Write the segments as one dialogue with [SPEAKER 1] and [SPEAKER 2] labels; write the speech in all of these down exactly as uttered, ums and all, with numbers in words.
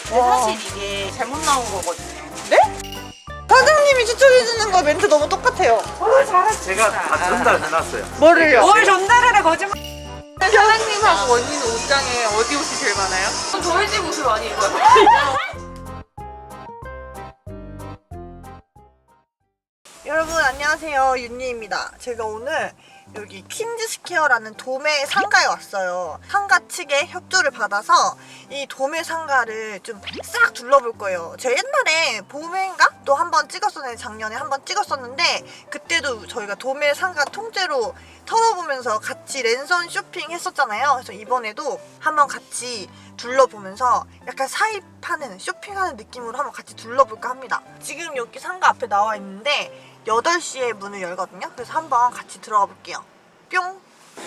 [SPEAKER 1] 근데 사실 이게 잘못 나온 거거든요.
[SPEAKER 2] 네? 사장님이 추천해주는 거 멘트 너무 똑같아요.
[SPEAKER 1] 어, 잘했어.
[SPEAKER 3] 제가 다 전달해놨어요.
[SPEAKER 2] 뭐를요?
[SPEAKER 1] 뭘 전달하래 거짓말. 사장님하고 언니는 옷장에 어디 옷이 제일 많아요? 저희 집 옷을 많이 입어요.
[SPEAKER 2] 여러분 안녕하세요, 윤니입니다. 제가 오늘 여기 퀸즈스퀘어라는 도매 상가에 왔어요. 상가 측의 협조를 받아서 이 도매 상가를 좀 싹 둘러볼 거예요. 제가 옛날에 봄인가? 또 한 번 찍었었는데, 작년에 한 번 찍었었는데, 그때도 저희가 도매 상가 통째로 털어보면서 같이 랜선 쇼핑 했었잖아요. 그래서 이번에도 한번 같이 둘러보면서 약간 사입하는, 쇼핑하는 느낌으로 한번 같이 둘러볼까 합니다. 지금 여기 상가 앞에 나와 있는데 여덟 시에 문을 열거든요. 그래서 한번 같이 들어가 볼게요. 뿅!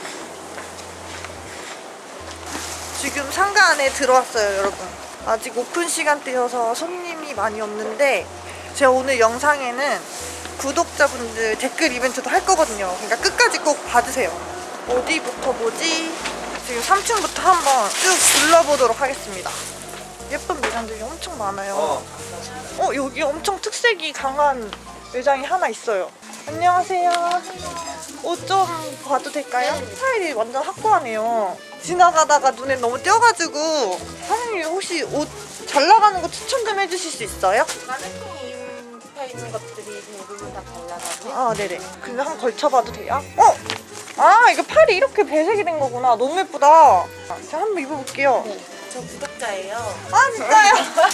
[SPEAKER 2] 지금 상가 안에 들어왔어요, 여러분. 아직 오픈 시간대여서 손님이 많이 없는데, 제가 오늘 영상에는 구독자분들 댓글 이벤트도 할 거거든요. 그러니까 끝까지 꼭 봐주세요. 어디부터 보지? 지금 삼 층부터 한번 쭉 둘러보도록 하겠습니다. 예쁜 매장들이 엄청 많아요.
[SPEAKER 3] 어.
[SPEAKER 2] 어, 여기 엄청 특색이 강한 매장이 하나 있어요. 안녕하세요. 옷 좀 봐도 될까요? 스타일이 완전 확고하네요. 지나가다가 눈에 너무 띄어가지고, 사장님 혹시 옷 잘 나가는 거 추천 좀 해주실 수 있어요?
[SPEAKER 1] 마네킹 붙어 있는 것들이 대부분 다 발라가지고.
[SPEAKER 2] 아, 네네. 근데 한번 걸쳐봐도 돼요? 어? 아, 이거 팔이 이렇게 배색이 된 거구나. 너무 예쁘다. 제가 한번 입어볼게요.
[SPEAKER 1] 네, 저 구독자예요.
[SPEAKER 2] 아, 진짜요?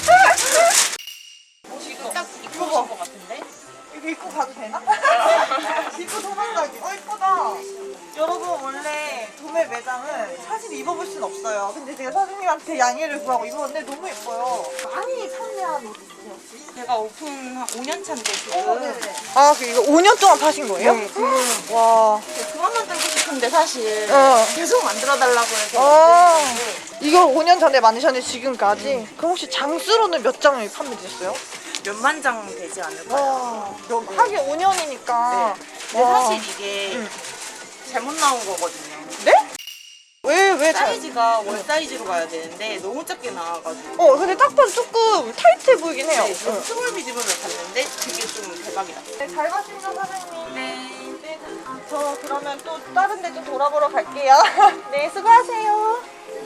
[SPEAKER 1] 지금 딱 입고 오신 것 같은데?
[SPEAKER 2] 이거 입고 가도 되나? 입고 도망가기. 어, 예쁘다. 여러분, 원래 도매 매장은 사실 입어볼 순 없어요. 근데 제가 사장님한테 양해를 구하고 입었는데 너무 예뻐요. 많이 판매한 옷 있으세요, 혹시?
[SPEAKER 1] 제가 오픈 한 오 년 차인데 지금.
[SPEAKER 2] 어, 네네. 아, 그 이거 오 년 동안 파신 거예요?
[SPEAKER 1] 네, 지금.
[SPEAKER 2] 와.
[SPEAKER 1] 그만 만들고 싶은데 사실
[SPEAKER 2] 어.
[SPEAKER 1] 계속 만들어달라고 해서.
[SPEAKER 2] 아, 이걸 오 년 전에 만드셨는데 지금까지? 그럼 혹시 장수로는 몇 장을 판매되셨어요?
[SPEAKER 1] 몇만 장 되지 않을까요?
[SPEAKER 2] 와, 하긴 오 년이니까.
[SPEAKER 1] 네. 근데 사실 이게
[SPEAKER 2] 응.
[SPEAKER 1] 잘못 나온 거거든요.
[SPEAKER 2] 네? 왜, 왜 잘?
[SPEAKER 1] 사이즈가 월 사이즈로 가야 되는데 너무 작게 나와가지고.
[SPEAKER 2] 어, 근데 딱 봐도 조금 타이트해 보이긴 해요.
[SPEAKER 1] 네, 저
[SPEAKER 2] 응.
[SPEAKER 1] 스몰 미디움을 봤는데 그게 좀 대박이다.
[SPEAKER 2] 네, 잘 봤습니다, 사장님.
[SPEAKER 1] 네.
[SPEAKER 2] 네, 저 그러면 또 다른 데 좀 돌아보러 갈게요. 네, 수고하세요.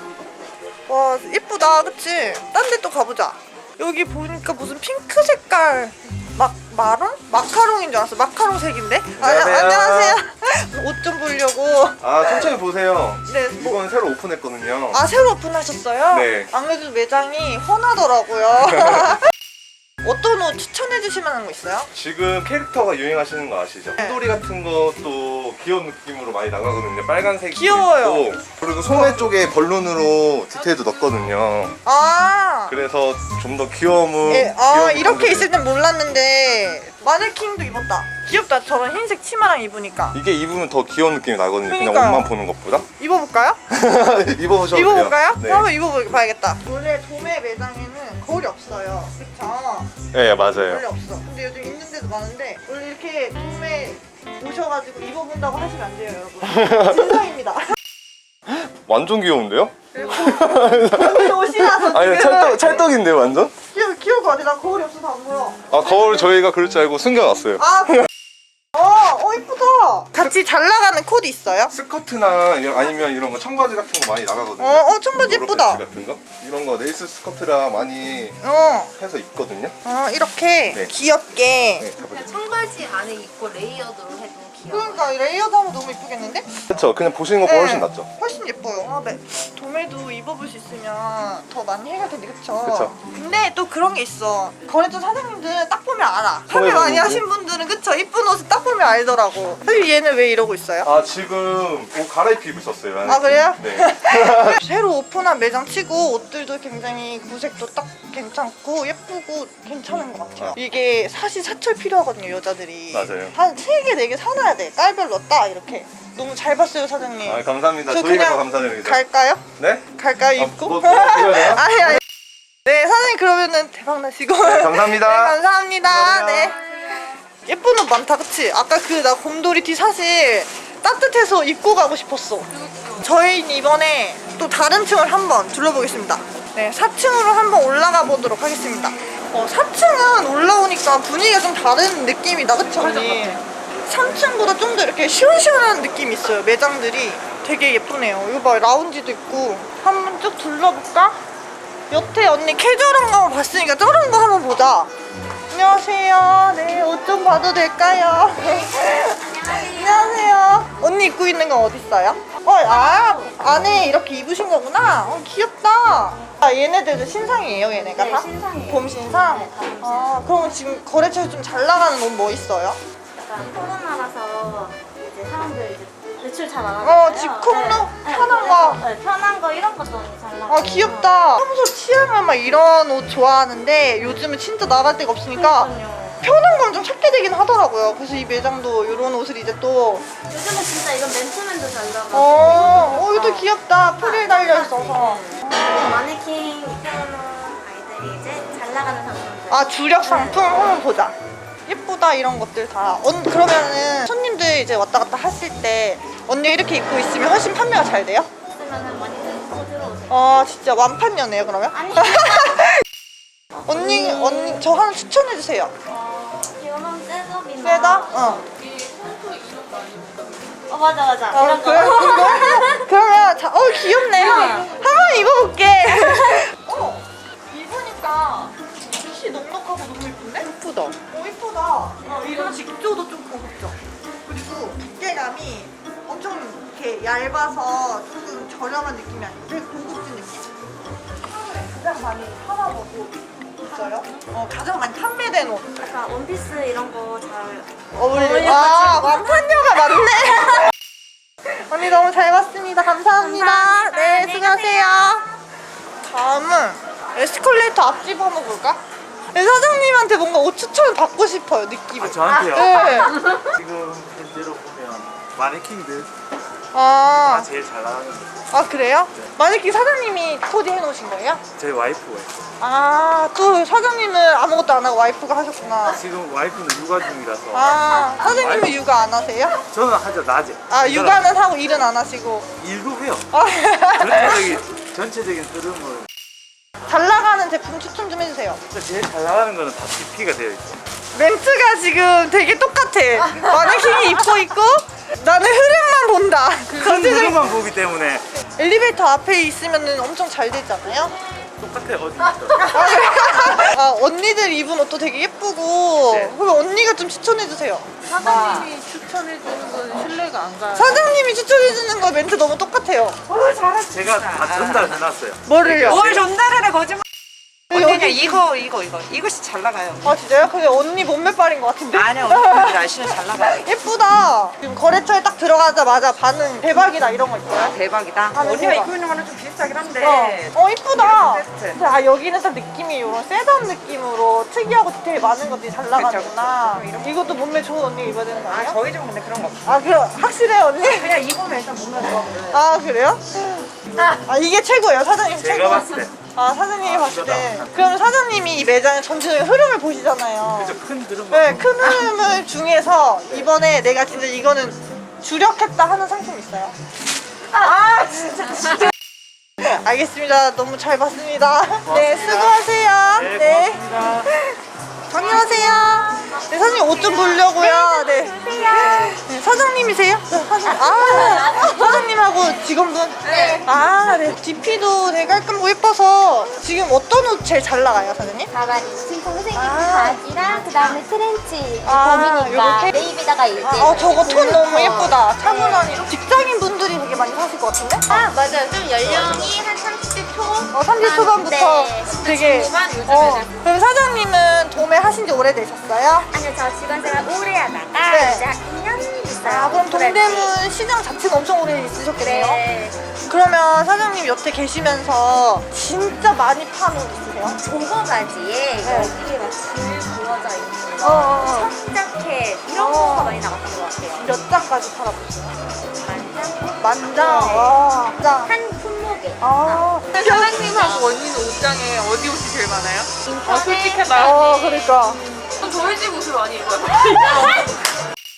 [SPEAKER 2] 와, 이쁘다, 그치? 딴 데 또 가보자. 여기 보니까 무슨 핑크 색깔 막 마롱? 마카롱인 줄 알았어. 마카롱 색인데? 아,
[SPEAKER 3] 안녕하세요.
[SPEAKER 2] 안녕하세요. 옷 좀 보려고.
[SPEAKER 3] 아, 천천히 보세요.
[SPEAKER 2] 네, 뭐,
[SPEAKER 3] 이건 새로 오픈했거든요.
[SPEAKER 2] 아, 새로 오픈하셨어요?
[SPEAKER 3] 네.
[SPEAKER 2] 안 그래도 매장이 훤하더라고요. 어떤 옷 추천해 주실 만한 거 있어요?
[SPEAKER 3] 지금 캐릭터가 유행하시는 거 아시죠?
[SPEAKER 2] 네.
[SPEAKER 3] 흰돌이 같은 것도 귀여운 느낌으로 많이 나가거든요. 빨간색이
[SPEAKER 2] 귀여워요.
[SPEAKER 3] 있고, 그리고 소매 쪽에 벌룬으로 디테일도 넣었거든요.
[SPEAKER 2] 아,
[SPEAKER 3] 그래서 좀 더 귀여움을
[SPEAKER 2] 예, 아
[SPEAKER 3] 귀여움을
[SPEAKER 2] 이렇게
[SPEAKER 3] 담는-
[SPEAKER 2] 있을 땐 몰랐는데 마네킹도 입었다. 귀엽다. 저런 흰색 치마랑 입으니까.
[SPEAKER 3] 이게 입으면 더 귀여운 느낌이 나거든요. 그냥
[SPEAKER 2] 그러니까요.
[SPEAKER 3] 옷만 보는 것보다.
[SPEAKER 2] 입어볼까요?
[SPEAKER 3] 입어보셔도 돼요.
[SPEAKER 2] 입어볼까요?
[SPEAKER 3] 네.
[SPEAKER 2] 한번 입어봐야겠다. 원래 도매 매장에는 거울이 없어요. 그쵸?
[SPEAKER 3] 네,
[SPEAKER 2] 원래
[SPEAKER 3] 맞아요.
[SPEAKER 2] 없어. 근데 요즘 있는 데도 많은데 원래 이렇게 도매 오셔가지고 입어본다고 하시면 안 돼요, 여러분. 진상입니다.
[SPEAKER 3] 완전 귀여운데요?
[SPEAKER 2] 오늘 옷이라서
[SPEAKER 3] 아니,
[SPEAKER 2] 지금
[SPEAKER 3] 찰떡, 찰떡인데요, 완전?
[SPEAKER 2] 귀여워, 귀여울 것 같아. 나 거울이 없어서 안 보여.
[SPEAKER 3] 아, 거울 저희가 그럴 줄 알고 숨겨놨어요.
[SPEAKER 2] 아, 그래? 어, 어, 이쁘다. 같이 잘 나가는 코드 있어요?
[SPEAKER 3] 스커트나 이런- 아니면 이런 거 청바지 같은 거 많이 나가거든요.
[SPEAKER 2] 어, 어, 청바지
[SPEAKER 3] 요렇게
[SPEAKER 2] 예쁘다.
[SPEAKER 3] 같은 거? 이런 거 레이스 스커트랑 많이
[SPEAKER 2] 어,
[SPEAKER 3] 해서 입거든요.
[SPEAKER 2] 어, 이렇게
[SPEAKER 3] 네.
[SPEAKER 2] 귀엽게.
[SPEAKER 3] 네, 가보죠.
[SPEAKER 4] 청바지 안에 입고 레이어드로 해도 귀여워.
[SPEAKER 2] 그러니까 이 레이어드 하면 너무 이쁘겠는데?
[SPEAKER 3] 그렇죠. 그냥 보시는 것보다 훨씬 낫죠.
[SPEAKER 2] 훨씬 예뻐요. 아, 네. 도매도 입어볼 수 있으면 더 많이 해야 되는데, 그쵸?
[SPEAKER 3] 그쵸.
[SPEAKER 2] 근데 또 그런 게 있어. 거래처 사장님들은 딱 보면 알아.
[SPEAKER 3] 소매
[SPEAKER 2] 판매 많이
[SPEAKER 3] 부분도.
[SPEAKER 2] 하신 분들은, 그쵸? 이쁜 옷을 딱 보면 알더라고. 사실 얘는 왜 이러고 있어요?
[SPEAKER 3] 아, 지금 옷 갈아입히고 있었어요.
[SPEAKER 2] 아, 그래요?
[SPEAKER 3] 네.
[SPEAKER 2] 새로 오픈한 매장 치고 옷들도 굉장히 구색도 딱 괜찮고 예쁘고 괜찮은 것 같아요. 이게 사실 사철 필요하거든요, 여자들이.
[SPEAKER 3] 맞아요.
[SPEAKER 2] 한 세 개, 네 개 사놔야 돼. 딸별로 딱 이렇게. 너무 잘 봤어요, 사장님.
[SPEAKER 3] 아, 감사합니다.
[SPEAKER 2] 저
[SPEAKER 3] 저희가
[SPEAKER 2] 그냥
[SPEAKER 3] 더 감사드립니다.
[SPEAKER 2] 갈까요?
[SPEAKER 3] 네?
[SPEAKER 2] 갈까요,
[SPEAKER 3] 아,
[SPEAKER 2] 입고?
[SPEAKER 3] 뭐, 뭐, 드려요?
[SPEAKER 2] 아니, 아니. 네, 사장님 그러면은 대박 나시고.
[SPEAKER 3] 네, 감사합니다.
[SPEAKER 2] 네, 감사합니다.
[SPEAKER 3] 감사합니다.
[SPEAKER 2] 네. 예쁜 옷 많다, 그치? 아까 그 나 곰돌이 티 사실 따뜻해서 입고 가고 싶었어. 저희는 이번에 또 다른 층을 한번 둘러보겠습니다. 네, 사 층으로 한번 올라가 보도록 하겠습니다. 어, 사 층은 올라오니까 분위기가 좀 다른 느낌이다, 그쵸 언니? 삼 층보다 좀 더 이렇게 시원시원한 느낌이 있어요. 매장들이 되게 예쁘네요. 이거 봐, 라운지도 있고. 한번 쭉 둘러볼까? 여태 언니 캐주얼한 거 봤으니까 저런 거 한번 보자. 안녕하세요. 네, 옷 좀 봐도 될까요? 안녕하세요. 언니 입고 있는 건 어디 있어요? 어, 아, 안에 이렇게 입으신 거구나. 어, 귀엽다. 아, 얘네들도 신상이에요, 얘네가
[SPEAKER 4] 네,
[SPEAKER 2] 다?
[SPEAKER 4] 신상이에요.
[SPEAKER 2] 봄 신상?
[SPEAKER 4] 네, 다 봄 신상.
[SPEAKER 2] 아, 그럼 지금 거래처에 좀 잘 나가는 옷 뭐 있어요?
[SPEAKER 4] 약간 코로나라서 이제 사람들 이제 매출 잘 안
[SPEAKER 2] 어,
[SPEAKER 4] 하잖아요.
[SPEAKER 2] 집콕로
[SPEAKER 4] 네,
[SPEAKER 2] 편한
[SPEAKER 4] 네,
[SPEAKER 2] 거.
[SPEAKER 4] 그래서, 네, 편한 거 이런 것도 잘 나가요.
[SPEAKER 2] 아, 귀엽다. 평소 취향은 막 이런 옷 좋아하는데 요즘은 진짜 나갈 데가 없으니까
[SPEAKER 4] 그러니까요.
[SPEAKER 2] 편한 건 좀 찾게 되긴 하더라고요. 그래서 이 매장도 이런 옷을 이제 또
[SPEAKER 4] 요즘은 진짜 이건 맨투맨도 잘 나가고.
[SPEAKER 2] 어, 어, 이것도 귀엽다. 프릴 달려 있어서.
[SPEAKER 4] 네. 마네킹 입혀놓은 아이들이 이제 잘 나가는 상품들.
[SPEAKER 2] 아, 주력 상품 한번 보자. 예쁘다, 이런 것들 다. 언, 그러면은 손님들 이제 왔다 갔다 하실 때 언니 이렇게 입고 있으면 훨씬 판매가 잘 돼요?
[SPEAKER 4] 쓰면은 많이들 또 들어오세요.
[SPEAKER 2] 아, 진짜 완판녀네요, 그러면?
[SPEAKER 4] 아니.
[SPEAKER 2] 언니, 언니, 저 하나 추천해주세요.
[SPEAKER 4] 어, 이런 셋업이나.
[SPEAKER 2] 셋업? 어.
[SPEAKER 4] 어 맞아 맞아.
[SPEAKER 2] 어,
[SPEAKER 4] 이런 거.
[SPEAKER 2] 그래, 그거? 그러면, 자, 어, 귀엽네. 한번 입어볼게. 어, 입으니까 핏이 넉넉하고 너무 예쁜데? 예쁘다. 어, 예쁘다. 어, 이런 직조도 좀 고급져. 그리고 두께감이 엄청 이렇게 얇아서 조금 저렴한 느낌이 아니고 되게 고급진 느낌? 하루에 가장 많이 팔아보고 있어요? 어, 가장 많이 판매된 옷.
[SPEAKER 4] 약간 원피스 이런 거 잘.
[SPEAKER 2] 어울려. 아, 완판녀가 맞네. 언니 너무 잘 봤습니다. 감사합니다.
[SPEAKER 4] 감사합니다.
[SPEAKER 2] 네,
[SPEAKER 4] 안녕히
[SPEAKER 2] 수고하세요. 다음은 에스컬레이터 앞집 한번 볼까? 네, 사장님한테 뭔가 옷 추천 받고 싶어요, 느낌이.
[SPEAKER 5] 아, 저한테요?
[SPEAKER 2] 네.
[SPEAKER 5] 지금 현재로 보면 마네킹들
[SPEAKER 2] 아,
[SPEAKER 5] 다 제일 잘 나가는 거
[SPEAKER 2] 아 그래요? 마네킹 사장님이 코디 해놓으신 거예요?
[SPEAKER 5] 저희 와이프가 있어요.
[SPEAKER 2] 아, 또 사장님은 아무것도 안 하고 와이프가 하셨구나.
[SPEAKER 5] 지금 와이프는 육아 중이라서
[SPEAKER 2] 아, 사장님은 육아 안 하세요?
[SPEAKER 5] 저는 하죠, 낮에.
[SPEAKER 2] 아, 육아는 하고 일은 안 하시고.
[SPEAKER 5] 일도 해요.
[SPEAKER 2] 아,
[SPEAKER 5] 전체적인, 전체적인 흐름을
[SPEAKER 2] 잘 나가는 제품 추천 좀 해주세요.
[SPEAKER 5] 제일 잘 나가는 거는 다 디피가 되어 있어요.
[SPEAKER 2] 멘트가 지금 되게 똑같아. 마네킹이 입고 있고 나는 흐름만 본다.
[SPEAKER 5] 큰
[SPEAKER 2] 전체적인
[SPEAKER 5] 흐름만 보기 때문에
[SPEAKER 2] 엘리베이터 앞에 있으면 엄청 잘 되잖아요.
[SPEAKER 5] 똑같아요, 어디 있어.
[SPEAKER 2] 아, 언니들 입은 옷도 되게 예쁘고.
[SPEAKER 5] 네.
[SPEAKER 2] 그럼 언니가 좀 추천해 주세요.
[SPEAKER 1] 사장님이 추천해주는 건 신뢰가 안 가요.
[SPEAKER 2] 사장님이 추천해 주는 거 멘트 너무 똑같아요.
[SPEAKER 5] 제가 다 전달해놨어요.
[SPEAKER 2] 뭐를요?
[SPEAKER 5] 뭘
[SPEAKER 6] 전달을 해 거짓말.
[SPEAKER 2] 여기
[SPEAKER 6] 언니는
[SPEAKER 2] 어디-
[SPEAKER 6] 이거 이거 이거 이것이 잘 나가요.
[SPEAKER 2] 아 진짜요? 근데 언니 몸매빨인 것 같은데?
[SPEAKER 6] 아니야 언니 날씨는 잘 나가요.
[SPEAKER 2] 예쁘다. 지금 거래처에 딱 들어가자마자 반응 대박이다 이런 거 있어요?
[SPEAKER 6] 대박이다.
[SPEAKER 2] 아,
[SPEAKER 6] 언니가
[SPEAKER 2] 대박.
[SPEAKER 6] 입고 있는 거는 좀 비슷하긴 한데.
[SPEAKER 2] 어, 어 이쁘다.
[SPEAKER 6] 세트.
[SPEAKER 2] 근데 아 여기는 딱 느낌이 이런 셋업 느낌으로 특이하고 디테일 많은 것들이 잘 나가는구나.
[SPEAKER 6] 그쵸, 그쵸.
[SPEAKER 2] 이것도 몸매 좋은 언니가 입어야 되는 거
[SPEAKER 6] 아
[SPEAKER 2] 아니에요?
[SPEAKER 6] 저희 집은 근데 그런 거 없어.
[SPEAKER 2] 아 그럼 확실해 언니?
[SPEAKER 6] 그냥 입으면 일단 몸매 좋아 보여요.
[SPEAKER 2] 아 그래요? 아 이게 최고예요 사장님 최고.
[SPEAKER 5] 제가 봤을 때
[SPEAKER 2] 아 사장님이
[SPEAKER 5] 아,
[SPEAKER 2] 봤을 때.
[SPEAKER 5] 이거다.
[SPEAKER 2] 그럼 사장님이 이 매장의 전체적인 흐름을 보시잖아요.
[SPEAKER 5] 그죠, 큰 흐름만
[SPEAKER 2] 네,
[SPEAKER 5] 보면
[SPEAKER 2] 큰 흐름을 중에서 이번에 내가 진짜 이거는 주력했다 하는 상품 있어요? 아 진짜 진짜. 알겠습니다. 너무 잘 봤습니다. 네, 수고하세요.
[SPEAKER 5] 네,
[SPEAKER 2] 네.
[SPEAKER 5] 고맙습니다.
[SPEAKER 2] 안녕하세요. 네, 사장님 옷 좀 보려고요. 네. 네, 사장님이세요? 네, 사장님. 아, 사장님하고 직원분?
[SPEAKER 4] 네.
[SPEAKER 2] 아, 네. 디피도 되게 깔끔하고 예뻐서 지금 어떤 옷 제일 잘 나가요, 사장님?
[SPEAKER 7] 가발이 지금 동생이
[SPEAKER 2] 아.
[SPEAKER 7] 바지랑 그 다음에 트렌치
[SPEAKER 2] 아,
[SPEAKER 7] 봄이니까
[SPEAKER 2] 요렇게?
[SPEAKER 7] 네이비다가 이제
[SPEAKER 2] 아, 어, 저거 톤 너무 예쁘다.
[SPEAKER 7] 네.
[SPEAKER 2] 차분한 직장인 분들이 되게 많이 사실 것 같은데?
[SPEAKER 7] 아 맞아요 좀 연령이 한 삼십 대 초
[SPEAKER 2] 어, 삼십 초반부터
[SPEAKER 7] 네.
[SPEAKER 2] 되게.
[SPEAKER 1] 중후반 요즘에
[SPEAKER 2] 어, 그럼 사장님은 도매 하신 지 오래되셨어요?
[SPEAKER 7] 아니요 저 직원 생활 오래 하다가
[SPEAKER 2] 네.
[SPEAKER 7] 이제 한 이 년 됐어요.
[SPEAKER 2] 아, 그럼
[SPEAKER 7] 그랬지.
[SPEAKER 2] 동대문 시장 자체가 엄청 오래 있으셨겠네요?
[SPEAKER 7] 네
[SPEAKER 2] 그러면 사장님 여태 계시면서 진짜 많이 판 옷 있으세요?
[SPEAKER 7] 조거 바지에
[SPEAKER 2] 네.
[SPEAKER 7] 여기에 막줄 부러져 있는
[SPEAKER 2] 어, 어, 어.
[SPEAKER 7] 거 청자켓 이런
[SPEAKER 2] 어.
[SPEAKER 7] 거가 많이 나갔던 것 같아요.
[SPEAKER 2] 몇 장까지 팔아보세요?
[SPEAKER 7] 만장
[SPEAKER 2] 만장?
[SPEAKER 7] 네.
[SPEAKER 2] 와, 장.
[SPEAKER 7] 한 품목에
[SPEAKER 2] 아,
[SPEAKER 1] 사장님하고 언니는 옷장에 어디 옷이 제일 많아요? 아 솔직히
[SPEAKER 2] 어,
[SPEAKER 1] 말하면
[SPEAKER 2] 그러니까.
[SPEAKER 1] 저희 집 옷을 많이 입어요.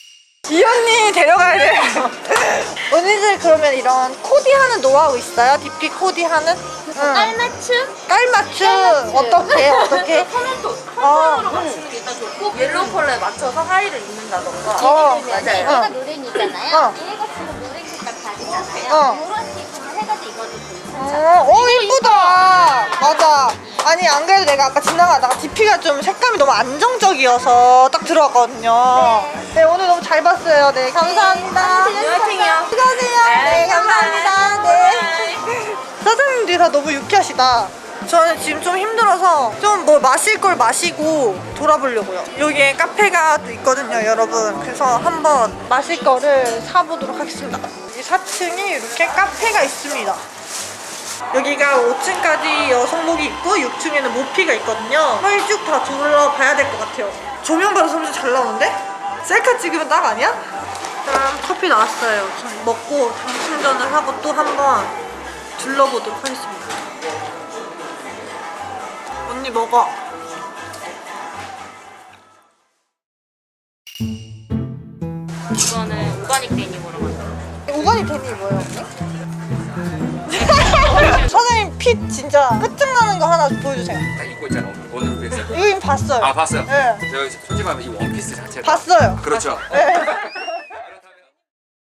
[SPEAKER 2] 이 언니 데려가야 돼요. 언니들 그러면 이런 코디하는 노하우 있어요? 디피 코디하는? 응.
[SPEAKER 7] 깔맞춤?
[SPEAKER 2] 깔맞춤 어떻게 어떻게?
[SPEAKER 1] 톤도
[SPEAKER 2] 어.
[SPEAKER 1] 톤으로 맞추는 게 일단 좋고 옐로우 컬러에 맞춰서 하의를 입는다던가.
[SPEAKER 2] 어.
[SPEAKER 7] 맞아요.
[SPEAKER 2] 어.
[SPEAKER 7] 얘가 노랭이잖아요.
[SPEAKER 2] 어.
[SPEAKER 7] 얘 같은 거 노랭 색깔 바지잖아요.
[SPEAKER 2] 어.
[SPEAKER 7] 이런 식으로 해가지고 입어도 괜찮죠.
[SPEAKER 2] 어, 어 이쁘다. 맞아. 아니 안 그래도 내가 아까 지나가다가 디피가 좀 색감이 너무 안정적이어서 딱 들어왔거든요. 네, 오늘 너무 잘 봤어요. 네 감사합니다.
[SPEAKER 1] 화이팅이요.
[SPEAKER 2] 수고하세요. 네 감사합니다. 네. 사장님들이 다 너무 유쾌하시다. 저는 지금 좀 힘들어서 좀 뭐 마실 걸 마시고 돌아보려고요. 여기에 카페가 또 있거든요, 여러분. 그래서 한번 마실 거를 사보도록 하겠습니다. 이 사 층이 이렇게 카페가 있습니다. 여기가 오 층까지 여성복이 있고 육 층에는 모피가 있거든요. 한번 쭉 다 둘러봐야 될 것 같아요. 조명 받아서 엄청 잘 나오는데? 셀카 찍으면 딱 아니야? 그럼 커피 나왔어요. 전 먹고 당 충전을 하고 또 한번 둘러보도록 하겠습니다. 언니 먹어.
[SPEAKER 1] 이거는 오가닉 데님으로 만든.
[SPEAKER 2] 오가닉 데니 뭐예요, 언니? 사장님 핏 진짜 끝장나는 거 하나 보여주세요.
[SPEAKER 8] 딱 입고 있잖아 오늘 무대에서.
[SPEAKER 2] 이거 이미 봤어요.
[SPEAKER 8] 아 봤어요?
[SPEAKER 2] 네.
[SPEAKER 8] 제가 솔직히 말하면 이 원피스 자체가
[SPEAKER 2] 봤어요.
[SPEAKER 8] 그렇죠.
[SPEAKER 2] 네.